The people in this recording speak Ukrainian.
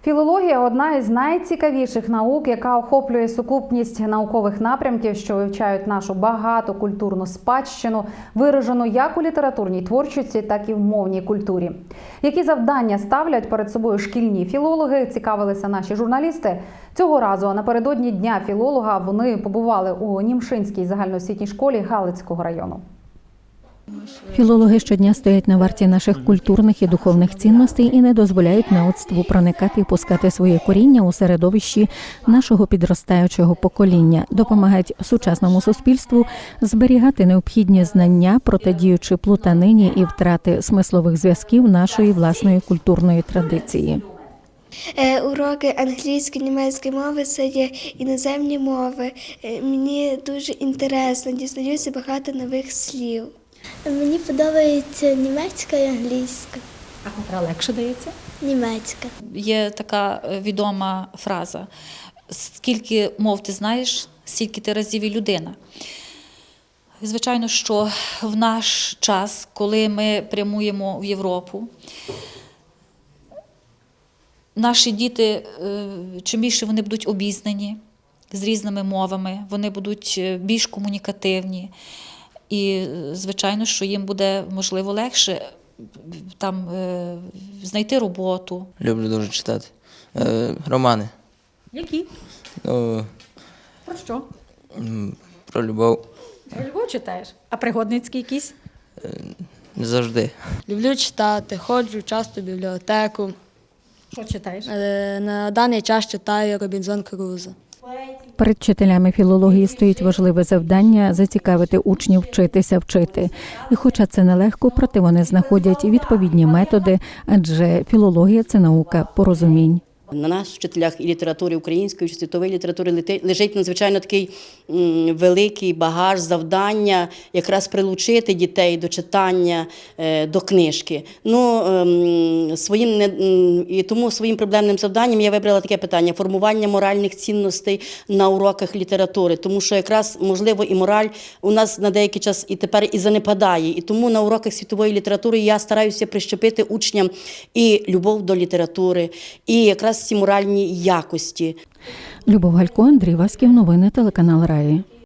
Філологія – одна із найцікавіших наук, яка охоплює сукупність наукових напрямків, що вивчають нашу багату культурну спадщину, виражену як у літературній творчості, так і в мовній культурі. Які завдання ставлять перед собою шкільні філологи, цікавилися наші журналісти. Цього разу напередодні Дня філолога вони побували у Німшинській загальноосвітній школі Галицького району. Філологи щодня стоять на варті наших культурних і духовних цінностей і не дозволяють неоцтву проникати і пускати своє коріння у середовищі нашого підростаючого покоління, допомагають сучасному суспільству зберігати необхідні знання, протидіючи плутанині і втрати смислових зв'язків нашої власної культурної традиції. Уроки англійської, німецької мови – це є іноземні мови. Мені дуже інтересно, дізнаюся багато нових слів. Мені подобається німецька і англійська. А котра легше дається? Німецька. Є така відома фраза: скільки мов ти знаєш, стільки ти разів і людина. Звичайно, що в наш час, коли ми прямуємо в Європу, наші діти, чим більше вони будуть обізнані з різними мовами, вони будуть більш комунікативні. І, звичайно, що їм буде, можливо, легше там знайти роботу. Люблю дуже читати. Романи. Які? Ну, Про що? про любов. Про любов читаєш? А пригодницькі якісь? Не завжди. Люблю читати, ходжу часто в бібліотеку. Що читаєш? На даний час читаю Робінзон Крузо. Перед вчителями філології стоїть важливе завдання – зацікавити учнів вчитися вчити. І хоча це нелегко, проте вони знаходять відповідні методи, адже філологія – це наука порозумінь. На нас, вчителях і літератури української, і світової літератури, лежить надзвичайно такий великий багаж завдання якраз прилучити дітей до читання, до книжки. І тому своїм проблемним завданням я вибрала таке питання – формування моральних цінностей на уроках літератури. Тому що якраз, можливо, і мораль у нас на деякий час і тепер і занепадає. І тому на уроках світової літератури я стараюся прищепити учням і любов до літератури, і якраз ці моральні якості. Любов Галько, Андрій Васьків, новини телеканал Раї.